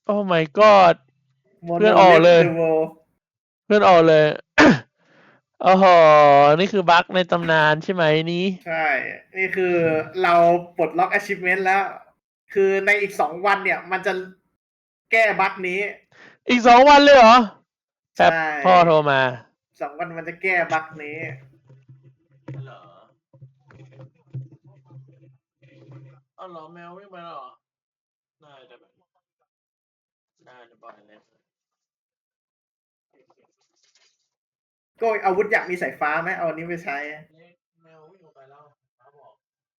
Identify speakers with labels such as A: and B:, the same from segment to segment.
A: โอ้ my god เพื่อนออกเลย เพื่อนออกเลย โอ้โห นี่คือบั๊กในตำนานใช่ไหมนี้
B: ใช่ นี่คือเราปลดล็อก achievement แล้ว คือในอีก2 วันเนี่ย มันจะแก้บั๊กนี้
A: อีก2 วันเลยเหรอแป๊บ
B: ใช่
A: พ่อโทรมา
B: 2 วันมันจะแก้บั๊กนี้
A: เหรอเอาเหรอแมววิ่งมาแล้วเหรอได้แต่แบบได้แต่บ่อยเลย
B: ก็อาวุธอยากมีสายฟ้าไหมเอาอันนี้ไปใช้
A: แมววิ่งออกไปแล้วฟ้าบอก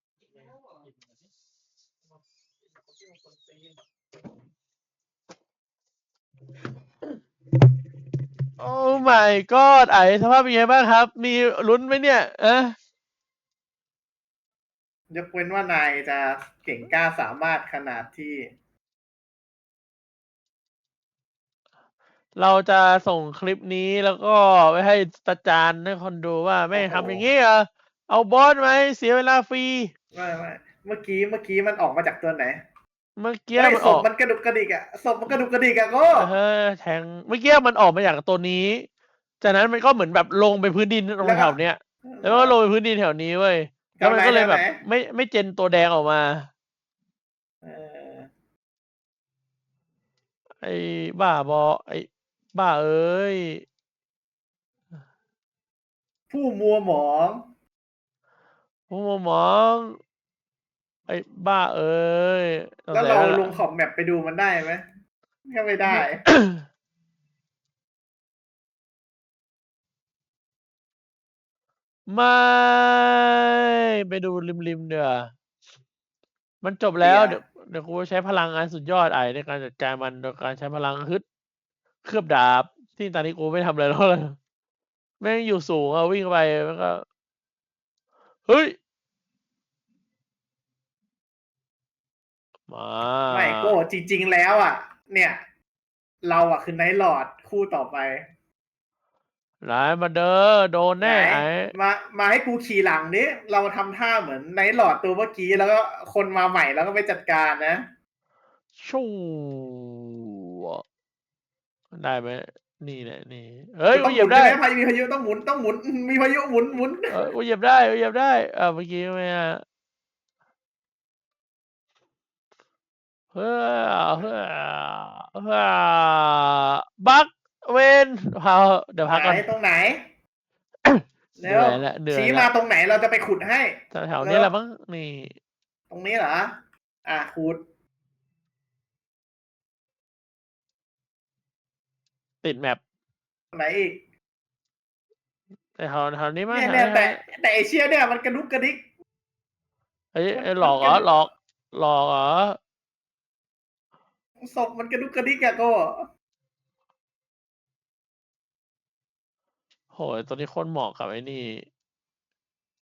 A: โอ้ my god ไอสภาพเป็นไงบ้างครับ มีลุ้นไหมเนี่ย
B: ยกเว้นว่านายจะเก่งกล้าสามารถขนาดที่
A: เราจะส่งคลิปนี้แล้วก็ไปให้ประจานให้คนดูว่าไม่ทำอย่างนี้เหรอเอาบอสไหมเสียเวลาฟรี
B: ไม่เมื่อกี้มันออกมาจากตัวไหน
A: เมื่อกี้มัน
B: ศ
A: ออ
B: พ
A: ก
B: มันกระดุกกระดิกอะศพมันกระดุกกระดิกอะก็
A: แทงเมื่อกี้มันออกมาจากตัวนี้จากนั้นมันก็เหมือนแบบลงไปพื้นดินตรงแถวเนี้ยแล้วก็ลงไปพื้นดินแถวนี้เว้ยแล้วมันก็เลยแบบไม่เจนตัวแดงออกมาไอ้บ้าบอไอ้บ้าเอ้ย
B: ผู้มัวหมอง
A: ผมมองไอ้บ้าเอ้ย
B: แล้วเราลงขอบแมปไปดูมันได้ไหมก็ไม่ได้
A: ไม่ไปดูริมเดี๋ยวามันจบแล้วเดี๋ยวกูใช้พลังอันสุดยอดไอในการจัดการมันโดยการใช้พลังฮึดเคลือบดาบที่ตอนนี้กูไม่ทำอะไรแล้วเลยแม่งอยู่สูงอะวิ่งไปมันก็เฮ้ยมา
B: ไม่โก้จริงๆแล้วอ่ะ เนี่ย เราอ่ะคือไนท์ลอร์ดคู่ต่อไป
A: ไหนมาเด้อโดน
B: ไหน
A: แน่ไอ้
B: มาให้กูขี่หลังนี้เราทำท่าเหมือนไนท์ลอร์ดตัวเมื่อกี้แล้วก็คนมาใหม่แล้วก็ไปจัดการนะ
A: ชูได้ไหมนี่แหละนี่เฮ้ย
B: ต้
A: กูเหยียบได้
B: องหมุนใช่ไหมพายุมีพายุต้องหมุนต้องหมุนมีพายุหมุน
A: กูเหยียบได้กูเหยียบได้เมื่อกี้ไม่อะเฮ้อเฮ้อเฮ้อบักเวนพาเดี๋ยวพักก่อน
B: ตรงไหน
A: เห
B: แล้
A: นื่
B: ว
A: อยแล้วเหนื่อย
B: ชี้
A: แล้
B: มาว ตรงไหนเราจะไปขุดให้
A: แถวๆนี้แหละมั้งนี่
B: ตรงนี้เหรอขุด
A: ติดแมป
B: ไหนอีก
A: แต่แถวนี้มั้ง
B: เนี่ยแต่ไอเชียเนี่ยมันกระดุกกระดิก
A: เฮ้ยหลอกเหรอหลอกเหรอ
B: ศพมันกระดุกกระดิกอะก็
A: โหยตัวนี้โคนเหมาะกับไอ้นี่